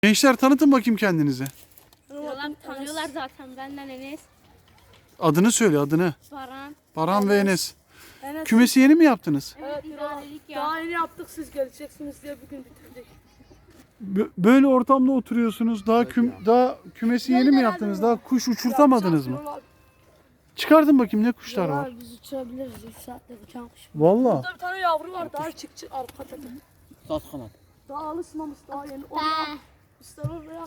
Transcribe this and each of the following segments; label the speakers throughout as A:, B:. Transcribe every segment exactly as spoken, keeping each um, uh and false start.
A: Gençler tanıtın bakayım kendinizi.
B: Yalan tanıyorlar zaten benden Enes,
A: Adını söyle adını.
B: Baran.
A: Baran ve Enes.
C: Evet.
A: Kümesi yeni mi yaptınız?
B: Evet, idarelik ya.
C: Daha yeni yaptık, siz geleceksiniz diye bugün bitirdik.
A: Bö- Böyle ortamda oturuyorsunuz. Daha küm daha kümesi yeni mi yaptınız? Daha kuş uçurtamadınız mı?
C: Yapacağız,
A: Çıkartın bakayım ne kuşlar var.
D: Biz uçurabiliriz. üç saatte uçan kuş.
A: Vallahi.
C: Burada bir tane yavru var, daha çıkçı arka tepe.
E: Saz kanat.
C: Daha alışmamış, daha yeni. Oraya, ister oraya.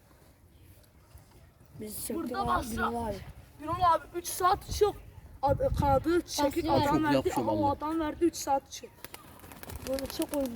D: Biz çektik
C: Burada
D: abi.
C: basra.
D: Bir var.
C: Birol abi üç saat uçuyor. Ad, kanadı çekik
D: Basıyor.
C: adam
E: Çok
C: verdi.
E: yapışıyor
C: Ama o
E: vallahi.
C: adam verdi üç saat uçuyor. Böyle çok oyunlu.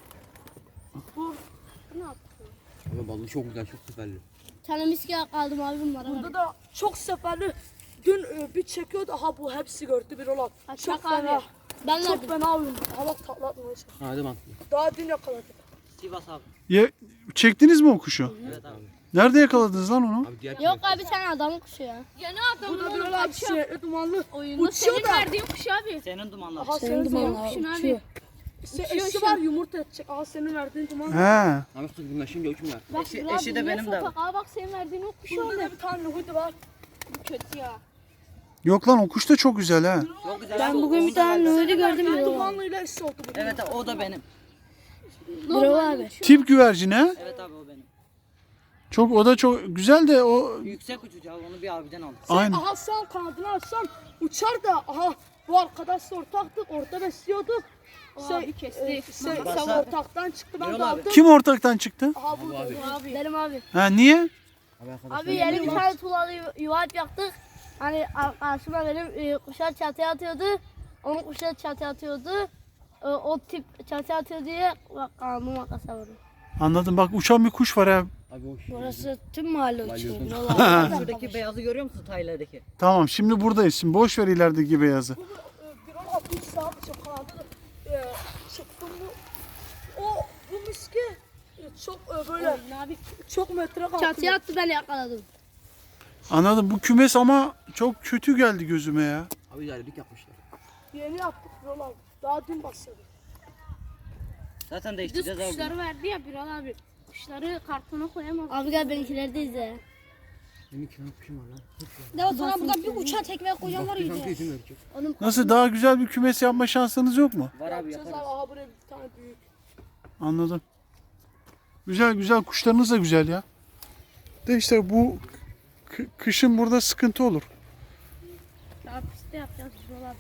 C: Bu ne yaptı?
E: Ama balığı çok güzel, çok seferli.
D: Tane miski aldım abi bunlara.
C: Burada da çok seferli. Dün e, bir çekiyordu. Aha bu hepsi gördü Birol abi.
B: Ha,
C: Çok
B: çak abi.
C: fena.
D: Ben
C: Çok
D: verdim.
C: fena oyun. Hava tatlatmaya çalışıyor.
E: Hadi bak.
C: Daha dün yakaladık.
E: Sivas abi.
A: Ye, çektiniz mi o kuşu?
E: Evet abi.
A: Nerede yakaladınız lan onu?
E: Abi diğer
D: Yok abi sen adamın kuşu ya.
B: Yeni
C: Bu
B: adamın
C: da
B: onu
C: Birol abi
B: kaçıyor.
C: sinirli dumanlı.
B: Oyunda
C: Uçuyor
B: senin
C: da.
B: verdiğin kuş abi.
E: Senin dumanlar.
C: Aha
D: Senin
C: senin
D: dumanla
C: dumanlı.
B: kuşun abi.
D: uçuyor.
C: İşte
B: Uçuyor
C: eşi
B: şu
C: var
B: an.
C: yumurta edecek. Aha senin verdiğin duman.
A: He.
E: Abi kız bunlaşınca uçmuyor.
B: Bak
E: Eşi,
B: Burak
E: eşi
B: abi
E: de
B: niye
E: benim de.
B: sopak? Aa bak senin verdiğin o kuş
C: Burada
B: oldu.
C: da bir tane huydu var.
B: Bu kötü ya.
A: Yok lan o kuş da çok güzel ha.
E: Çok güzel.
D: Ben bugün bir tane Nuri gördüm
C: Senin
D: ya.
C: dumanlıyla eşi oldu bu.
E: Evet o da benim.
D: Birol abi.
A: Tip güvercin ha.
E: Evet abi o benim.
A: Çok o da çok güzel de o
E: Yüksek uçucu abi, onu bir abiden aldım.
A: aynı.
C: Aha sen kanadını açsan uçar da aha bu arkadaşla ortaktık orada besliyorduk.
B: Abi kesti.
C: e, şey,
E: Basa-
C: sen ortaktan çıktı ben
E: Birol
C: de
E: abi.
C: aldım.
A: Kim ortaktan çıktı?
C: Aha bu
E: abi.
B: Abi.
D: Benim abi.
A: Ha niye?
E: Abi arkadaşlar.
D: Abi yeni bir tane tuğlalı yu- yuva yaptık. Hani ar- karşıma benim e, kuşlar çatıya atıyordu. Onun kuşlar çatıya atıyordu. E, o tip çatıya atıyor diye bak kanımı makasa vurdu.
A: Anladım bak uçan bir kuş var ha.
E: Abi o şu.
D: Burası tüm mahalle uçuyor.
E: Balyoz.
D: Birol abi.
E: Şuradaki beyazı görüyor musun Taylardaki?
A: Tamam şimdi buradayız. Şimdi boş ver ilerideki beyazı.
C: Bu e, bir on altmış saat çok kanadı e, çıktım bu. O bu miski e, çok e, böyle
B: Abi
C: çok metre kalktı.
D: Çatıya attı ben yakaladım.
A: Anladım. Bu kümes ama çok kötü geldi gözüme ya.
E: Abi ilerledik yapmışlar.
C: Yeni yaptık Birol abi. Daha dün başladık.
E: Zaten
B: düz
E: değiştireceğiz abi.
B: kuşları verdi ya Biral abi. Kuşları kartona koyamaz.
D: Abi gel benimkileri de izle.
E: Benim iki tane kuşum var lan.
D: Ya sana burada bir uçağa tekme koyacağım var
E: Bir tane yüzüm örtecek.
A: Nasıl daha güzel bir kümes yapma şansınız yok mu?
E: Var abi
C: Yapacağız abi.
E: yaparız.
C: Aha buraya bir tane büyük.
A: Anladım. Güzel güzel kuşlarınız da güzel ya. De işte bu k- kışın burada sıkıntı olur.
B: Daha pistte yapacağız Biral abi.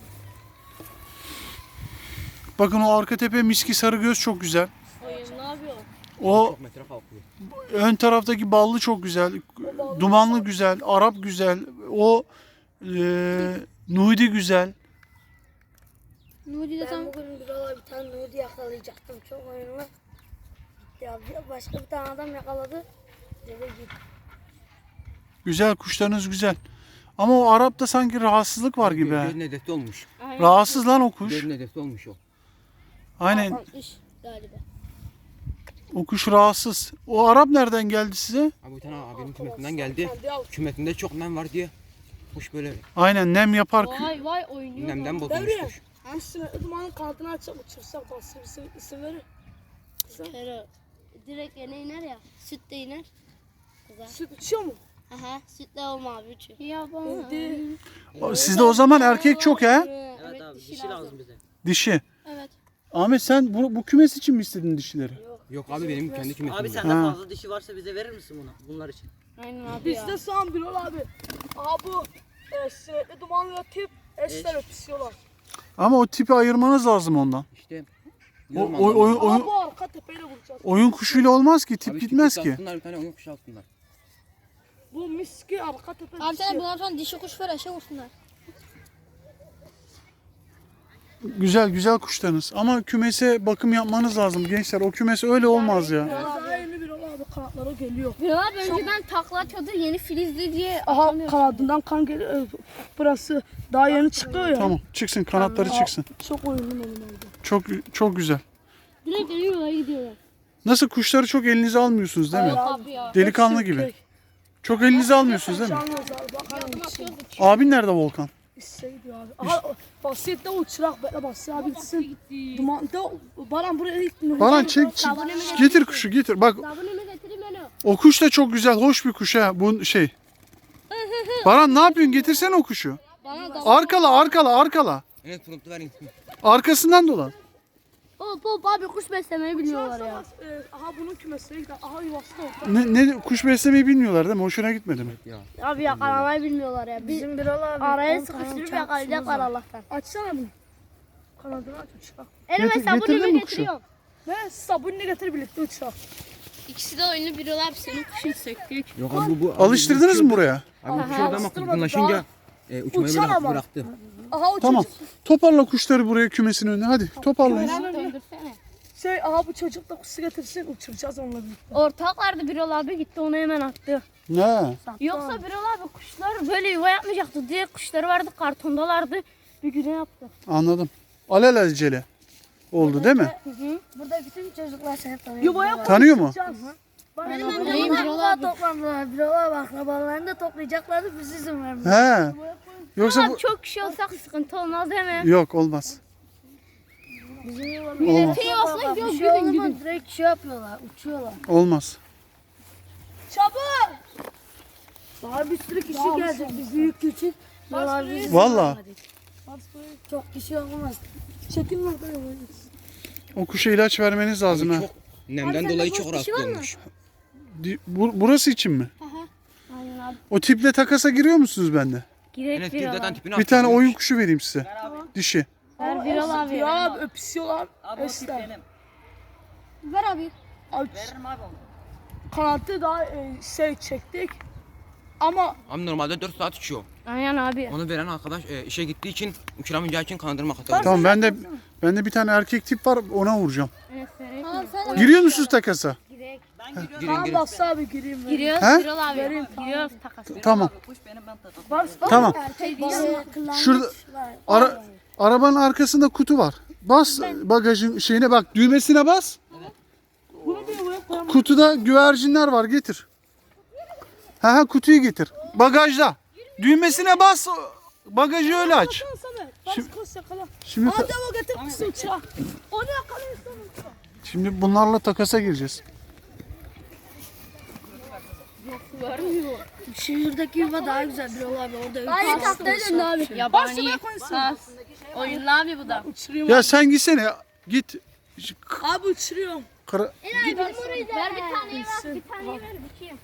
A: Bakın o arka tepe miski sarıgöz çok güzel.
B: Oyun ne yapıyor?
A: O
E: Çok metre kalkıyor.
A: ön taraftaki ballı çok güzel. Dumanlı güzel. Arap güzel. O e, Nudi güzel.
D: Nuri de tam
F: Ben bugün bir bir tane Nudi yakalayacaktım çok oyunlu. Ya bir- başka bir tane adam yakaladı. Dedi git.
A: Güzel kuşlarınız güzel. Ama o Arap'ta sanki rahatsızlık var gibi. ha.
E: Gözün hedefi olmuş.
B: Aynen.
A: Rahatsız lan o kuş.
E: Gözün hedefi olmuş o.
A: Aynen
D: kalkmış galiba.
A: o kuş rahatsız. O Arap nereden geldi size?
E: Abi bir tane abinin kümetinden geldi.
C: Kendi al.
E: Kümetinde çok nem var diye. Kuş böyle
A: Aynen nem yapar. kü-
B: Vay vay oynuyor.
E: nemden bozulmuş
C: Devriye.
E: kuş.
C: Üstüne dumanın kanadını açıp uçursak nasıl isim, isim verir.
D: Kere direkt yine iner ya. Süt de iner.
C: Süt uçuyor mu?
D: Aha sütle olma abi uçuyor.
B: Ya bana.
C: Indi.
A: Sizde o zaman erkek çok ha?
B: Evet, dişi lazım.
E: bize.
A: Dişi.
B: Evet.
A: Ahmet sen bu, bu kümes için mi istedin dişileri?
E: Yok abi benim kendi kümetim.
G: Abi
E: var.
G: sende
A: Ha.
G: fazla dişi varsa bize verir misin bunu? Bunlar için.
B: Aynen abi ya.
C: Bizde soğan Birol abi. Aha bu e, sinekli dumanlı tip eşler öpüşüyorlar.
A: Ama o tipi ayırmanız lazım ondan.
E: İşte.
A: O,
E: diyorum
A: o- oyun,
E: anlamadım.
C: Aha
A: oyun,
C: bu arka tepeyle vuracağız.
A: oyun kuşuyla olmaz ki. Tip
E: Abi
A: gitmez
E: küçük
A: ki.
E: alsınlar, bir tane oyun kuşu alsınlar.
C: Bu miski arka tepe
D: Abi sen
C: dişi.
D: bundan sonra dişi kuş ver eşe vursunlar.
A: Güzel güzel kuşlarınız. Ama kümese bakım yapmanız lazım gençler. O kümes öyle olmaz ya.
C: Daha yeni Birol abi kanatları geliyor.
B: Biral abi önceden takla atıyordu yeni filizli diye
C: Aha
B: atamıyor.
C: kanadından kan geliyor. Ö, Burası daha yeni çıkıyor ya.
A: Tamam çıksın kanatları çıksın.
C: Çok oyunlu benim oldu.
A: Çok çok güzel.
D: Direkt geliyorlar gidiyorlar.
A: Nasıl kuşları çok elinize almıyorsunuz değil mi?
B: Abi ya.
A: Delikanlı
C: Hepsi
A: gibi.
C: erkek.
A: Çok elinize almıyorsunuz değil mi?
C: Canlıyoruz abi. Bakar
B: Yardım
C: mısın?
B: atıyordu.
A: Abin nerede Volkan?
C: İşe gidiyor abi. Aha Basiyet'te o çırak bekle Basiyet abi gitsin. Dumanda Baran buraya gitmiyor.
A: Baran çek, çek. Getir kuşu getir. Bak
D: Sabununu getireyim onu.
A: o kuş da çok güzel, hoş bir kuş ha. Bu şey. Baran ne yapıyorsun? Getirsene o kuşu. Arkala, arkala, arkala.
E: Evet pırıltı verin.
A: Arkasından dolan.
D: Hop hop abi kuş beslemeyi bilmiyorlar ya.
C: Ee, aha bunun kümesine gider. Aha yuvası da orada.
A: Ne, ne kuş beslemeyi bilmiyorlar değil mi? Hoşuna gitmedi mi?
D: Abi yakalamayı bilmiyorlar ya. Biz
F: Bizim Birol abi.
D: araya
F: on tane
D: sıkıştırıp
F: uçak
D: yakalayacaklar Allah'tan.
C: Açsana bunu. Kanadını aç uçak.
D: Elime
A: Getir- getirdin
D: sabununu
A: mi kuşu?
D: getiriyorum.
C: Ne sabununu getir birlikte uçak.
B: İkisi de oyunu bir abi senin kuşun söktük.
E: Yok abi bu. bu
A: Alıştırdınız mı buraya?
E: Abi bu şurada ama kızgınlaşınca e, uçmayı
C: Uçan
E: bırak,
C: ama.
E: bıraktı.
C: Aha o
A: Tamam.
C: çocuk.
A: Toparla kuşları buraya kümesin önüne. Hadi toparlayın.
B: Döndürsene.
C: Şey aha bu çocuk da kuşu getirsin uçuracağız onunla birlikte.
D: Ortak vardı Birol abi gitti onu hemen attı.
A: Ne?
D: Yoksa Birol abi kuşlar böyle yuva yapmayacaktı diye kuşları vardı kartondalardı. Bir güne yaptı.
A: Anladım. Alelacele oldu değil mi?
F: Burada bütün çocuklar seni tanıyor.
C: Yuvaya
A: Tanıyor mu?
C: koyacağız.
F: Benim
B: Neyim
F: amcamlar
B: Birol
F: burada
B: abi?
F: toplandılar. Birol abi akrabalarını da toplayacaklardı. Biz izin vermedik.
A: He. Yoksa bu...
D: Abi çok kişi olsak sıkıntı olmaz değil mi?
A: Yok olmaz.
F: Bizim yuvalar.
A: Olmaz.
D: Şey olsa
F: Bir
D: yok
F: şey
D: gidin
F: oldu
D: gidin.
F: mu direkt şey yapıyorlar. Uçuyorlar.
A: Olmaz.
C: Çabuk.
F: Daha bir sürü kişi gelecek. Biz büyük küçük. Birol abi biz izin
A: Vallahi.
F: vermedik. Çok kişi olmaz.
C: Çekin orada yuvayı.
A: O kuşa ilaç vermeniz lazım ha.
E: Çok nemden dolayı çok rahatsız olmuş.
A: Di- bu- burası için mi?
D: Aynen abi.
A: O tiple takasa giriyor musunuz bende?
D: Girek
E: Enes
D: Birol
E: zaten
D: abi.
E: tipini
A: Bir tane
E: attırmış.
A: oyun kuşu vereyim size. Dişi.
D: Ver Birol abi.
C: Ya abi öpüşüyorlar.
G: Abi o tip
C: Esler.
G: benim.
D: Ver abi.
C: Abi
G: Veririm abi onu.
C: kanadı daha e, şey çektik. Ama
E: Abi normalde dört saat uçuyor.
D: Aynen abi.
E: Onu veren arkadaş e, işe gittiği için uçuramayacağı için kandırma hatası.
A: Tamam bende bende bir tane erkek tip var ona vuracağım.
D: Evet, vereyim mi?
F: Tamam sen
A: Giriyor musunuz takasa?
G: Ben giriyorum.
E: Girin
C: tamam
E: girin.
C: Basri abi gireyim. ben.
D: Giriyoruz
A: He?
D: Birol abi. Giriyoruz takas.
A: Tamam.
G: Kuş benim ben tadım.
C: Bas, bas.
A: Tamam.
F: erkek balığı kılanmış
A: Şurada-
F: var.
A: Ara, arabanın arkasında kutu var. Bas bagajın şeyine bak düğmesine bas.
C: Bunu bir yuvaya koyalım.
A: Kutuda güvercinler var getir. Ha ha kutuyu getir. Bagajda. Düğmesine bas. Bagajı öyle aç.
C: Sana. Bas
A: Şimdi-
C: koş yakala.
A: Şimdi
C: Hadi o getir kuşu uçağa. Onu yakalıyorsun.
A: şimdi bunlarla takasa gireceğiz.
F: Şehirdeki yuva daha güzel Birol abi. Orada
D: Hayır
F: yukarı-
D: taktaydı abi. Yabani. Sas. Oyunlu abi bu da.
C: Uçuruyorum.
A: Ya sen gitsene git.
C: Abi uçuruyorum.
A: Kara-
D: Ver bir taneyi ver. Bir taneyi ver. Bakayım.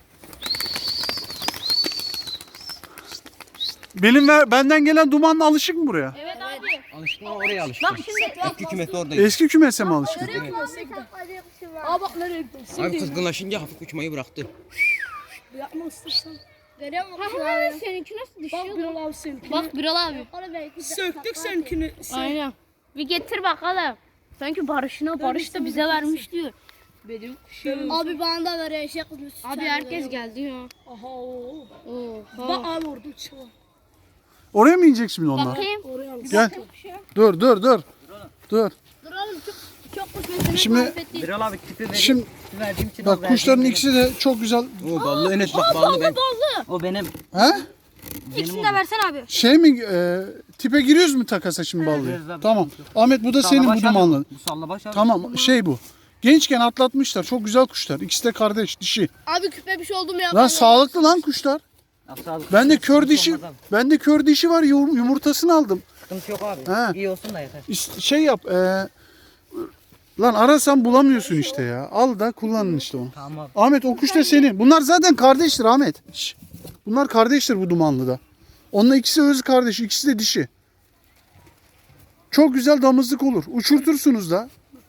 A: Benim ver, benden gelen dumanla alışık mı buraya?
D: Evet abi.
E: Alıştım ama oraya alıştım.
D: Bak şimdi.
E: Eski kümesi oradayım.
A: Eski kümese mi alışkın?
C: Aa bak nereye gidiyorsun?
E: Abi kızgınlaşınca hafif uçmayı bıraktı.
C: Yapma istersen.
D: Görüyor musun abi? Seninki nasıl
C: Bak
D: düşüyor?
C: Birol abi seninkini.
B: Bak Birol abi.
C: Söktük seninkini. Sen...
B: Aynen.
D: Bir getir bakalım. Sanki Barış'ına Barış da bize vermiş diyor.
B: Benim kuşum.
F: Abi bana da ver eşek kızmış.
B: Abi herkes geldi ya.
C: Aha o.
B: Oha.
C: Bak abi orada uçuyor.
A: Oraya mı inecek şimdi onlar?
D: Bakayım.
C: Oraya al.
A: Gel. Dur dur dur. Dur.
D: Dur oğlum çok çok kuş beslemek
A: Şimdi-
D: muhabbet değil.
G: Birol abi tipi vereyim.
A: Şimdi
G: Tipi verdiğim için
A: bak kuşların ikisi de çok güzel.
E: Oo ballı Enes bak ballı ben.
G: O benim.
A: He?
D: İkisini de versen abi.
A: Şey mi e, tipe giriyoruz mu takasa şimdi ballıya?
G: gireriz abi.
A: Tamam. Ahmet bu da senin bu dumanlı.
G: Bu sallabaş abi.
A: Tamam şey bu. Gençken atlatmışlar. Çok güzel kuşlar. İkisi de kardeş dişi.
B: Abi küpe bir şey oldu mu ya?
A: Lan sağlıklı lan kuşlar.
G: Ya, sağlık.
A: Bende kör
G: Sıkıntı
A: dişi.
G: olmaz abi.
A: Bende kör dişi var. Yum- Yumurtasını aldım.
G: Sıkıntı yok abi.
A: He.
G: İyi olsun da yeter.
A: İst- Şey yap. E, lan arasan bulamıyorsun işte ya. Al da kullanın işte onu.
G: Tamam abi.
A: Ahmet o kuş da senin. Bunlar zaten kardeştir Ahmet. Şş. Bunlar kardeştir bu dumanlıda. Onunla ikisi öz kardeş, ikisi de dişi. Çok güzel damızlık olur. Uçurtursunuz da.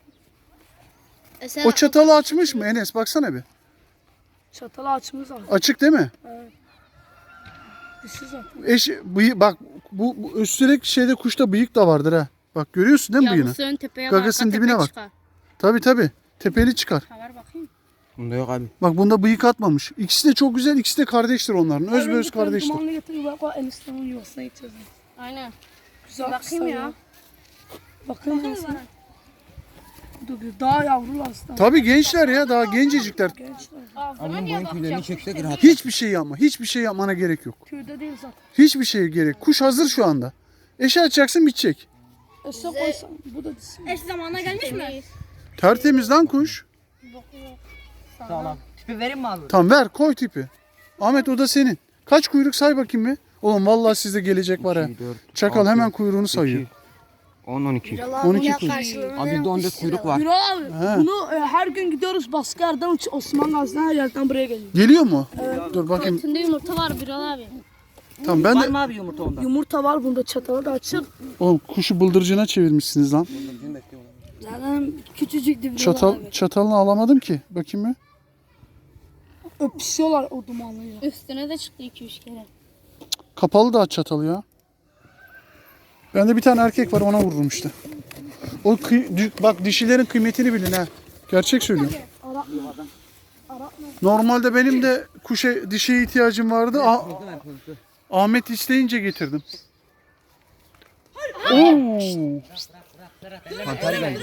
B: E sen
A: O çatalı açmış mı Enes? Baksana bir.
C: Çatalı açmış abi.
A: Açık değil mi?
C: Dişi zaten.
A: Eş, bıyı, bak bu, bu üstelik şeyde kuşta bıyık da vardır ha. Bak görüyorsun değil mi bıyığını?
B: yavrusu ön tepeye
A: Gagasının
B: arka
A: dibine
B: tepe
A: bak.
B: çıkar.
A: Tabi tabi. Tepeli çıkar.
B: Ha, ver bakayım.
E: Bunda yok abi.
A: Bak bunda bıyık atmamış. İkisi de çok güzel, ikisi de kardeştir onların. Öz be öz
C: Bir tane
A: kardeştir.
C: Dumanlı getir yuvaya koy. Eniştemin yuvasına gideceğiz.
B: Aynen.
C: Güzel
B: Bakayım ya.
C: Bakayım ya sen. Dur bir daha yavrular aslında.
A: Tabi gençler ya, daha gencecikler.
C: Gençler.
E: Abim boyun tüylerini çekse rahat.
A: Hiçbir şey yapma, hiçbir şey yapmana gerek yok.
C: Köyde değil zaten.
A: Hiçbir şey gerek. Kuş hazır şu anda. Eşe açacaksın bitecek.
C: Ese koysam bu da dişi.
B: Eş zamanına gelmiş mi?
A: Tertemiz lan kuş.
G: Sağlam. Tipi vereyim mi abi?
A: Tamam ver koy tipi. Ahmet o da senin. Kaç kuyruk say bakayım bir. Oğlum vallahi sizde gelecek var ha.
E: iki, dört,
A: Çakal
E: altı,
A: hemen kuyruğunu sayıyor.
E: iki, on, on iki.
A: on iki kuyruk.
E: Abi bizde on dört kuyruk var.
C: Yürü abi.
A: He.
C: Bunu e, her gün gidiyoruz baskı yerden Osman Gazi'den her yerden buraya geliyor.
A: Geliyor mu? Dur bakayım.
B: Üstünde yumurta var Birol abi.
A: Tamam ben
G: Var
A: de...
G: mı abi yumurta onda?
C: Yumurta var bunda çatalı da açık.
A: Oğlum kuşu bıldırcına çevirmişsiniz lan.
F: Zaten küçücüktü bir
A: Çatal, çatalını alamadım ki. Bakayım bir.
C: Öpüşüyorlar o dumanlıyla.
B: Üstüne de çıktı iki üç kere.
A: Kapalı da aç çatalı ya. Bende bir tane erkek var ona vururum işte. O kıy- dü- bak dişilerin kıymetini bilin ha. Gerçek söylüyorum. Normalde benim de kuşa dişiye ihtiyacım vardı. Ah- Ahmet isteyince getirdim. Oo,
E: Panter geldi.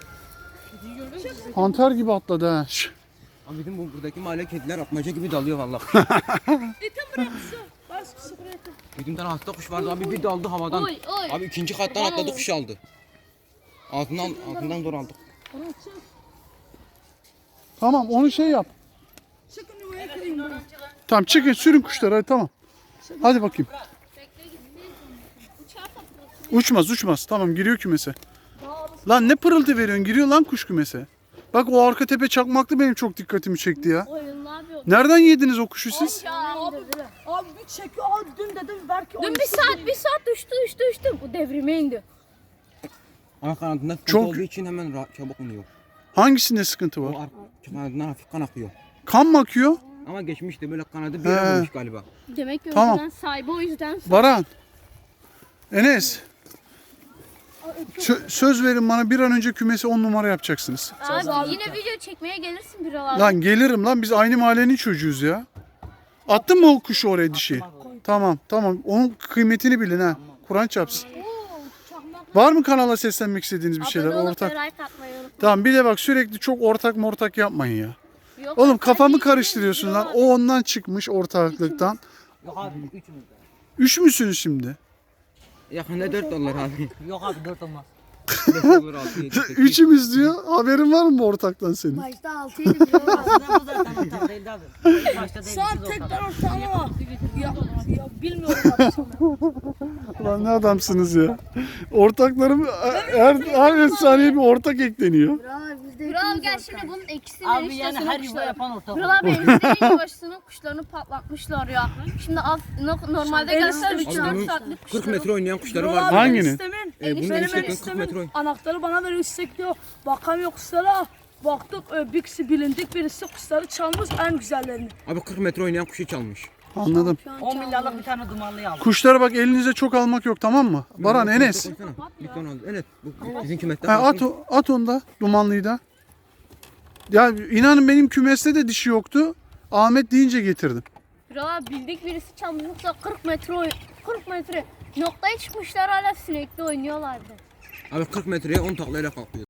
A: panter gibi atladı ha. Şş.
E: Abi bizim bu buradaki mahalle kediler atmaca gibi dalıyor vallahi. Bizim tane hasta kuş vardı abi bir daldı havadan.
B: Oy oy.
E: Abi ikinci kattan atladı kuş aldı. Altından altından zor aldık.
A: Tamam onu şey yap. Tamam çıkın sürün kuşları hadi tamam. Hadi bakayım. Uçmaz uçmaz. Tamam giriyor kümese. Lan ne pırıltı veriyorsun? Giriyor lan kuş kümese. Bak o arka tepe çakmaklı benim çok dikkatimi çekti ya.
B: Oyun ne yapıyor?
A: Nereden yediniz o kuşu siz?
C: Abi, abi bir çekiyor abi dün dedim belki
B: Dün bir saat bir saat düştü düştü düştü. Bu devrime indi.
E: Ama kanadında sıkıntı
A: Çok-
E: olduğu için hemen rahat, çabuk iniyor.
A: Hangisinde sıkıntı
E: O
A: var?
E: ar- kanadından hafif kan akıyor.
A: Kan mı akıyor?
E: Ama geçmişti böyle kanadı bir
A: He.
E: yere vurmuş galiba.
B: Demek ki o
A: Tamam.
B: yüzden sahibi o yüzden.
A: Baran. Enes. Sö- söz verin bana bir an önce kümesi on numara yapacaksınız.
B: Abi yine video çekmeye gelirsin Birol abi.
A: Lan gelirim lan biz aynı mahallenin çocuğuyuz ya. Attın mı o kuşu oraya dişi? Tamam tamam onun kıymetini bilin ha. Kur'an çarpsın. Var mı kanala seslenmek istediğiniz bir şeyler
B: Abone olup
A: ortak?
B: like atmayı unutma.
A: Tamam bir de bak sürekli çok ortak mortak yapmayın ya.
B: Yok,
A: Oğlum
B: ortak
A: kafamı
B: değil,
A: karıştırıyorsun
B: Birol
A: lan.
B: abi.
A: O ondan çıkmış ortaklıktan.
G: Yok abi üçümüz de.
A: Üç müsünüz şimdi?
E: Yakında dört dolar abi.
G: Yok abi dört olmaz.
E: beş dolar altı yedi sekiz.
A: Üçümüz diyor. Haberin var mı bu ortaktan senin?
F: Başta altıydı bir olan.
G: Aslında bu zaten ortak değildi abi. Başta değil
C: Şu an
G: biz
C: tekrar
G: ortak.
C: ortağına var. Ya, ya bilmiyorum abi sana.
A: Lan ne adamsınız ya. Ortaklarım her, her saniye bir ortak ekleniyor.
F: Bravo biz de
B: Birol abi
F: hepimiz
B: gel
F: ortak.
B: şimdi bunun ikisinin
G: Abi yani
B: eniştesinin
G: her yuva
B: kuşları.
G: yapan ortak.
B: Birol abi eniştenin yuvasının kuşlarını patlatmışlar ya. Şimdi alt, no- normalde gelseler üç
E: Abi
B: dört
E: bunun
B: saatlik
E: kırk
B: kuşları.
E: metre oynayan kuşları
C: Birol
E: var.
C: abi
A: Hanginin?
C: istemin.
E: E, bunun
C: Benim
E: eniştenin kırk
C: istemin
E: metre oynuyor.
C: anahtarı bana veriyor istek diyor. Bakamıyor kuşlara. Baktık e, birisi bilindik birisi kuşları çalmış en güzellerini.
E: Abi kırk metre oynayan kuşu çalmış.
A: Anladım.
G: on milyarlık bir tane dumanlıyı aldım.
A: Kuşlara bak elinize çok almak yok tamam mı? Baran Enes.
E: Bir ton aldı. Evet. Bu bizim kümetten
A: Ha, at,
E: kalsın.
A: o- at onu da dumanlıyı da. Ya inanın benim kümeste de dişi yoktu. Ahmet deyince getirdim.
B: Birol abi bildik birisi çalmış yoksa kırk metre oy- kırk metre noktaya çıkmışlar hala sinekli oynuyorlardı.
E: Abi kırk metreye on taklayla kalkıyor.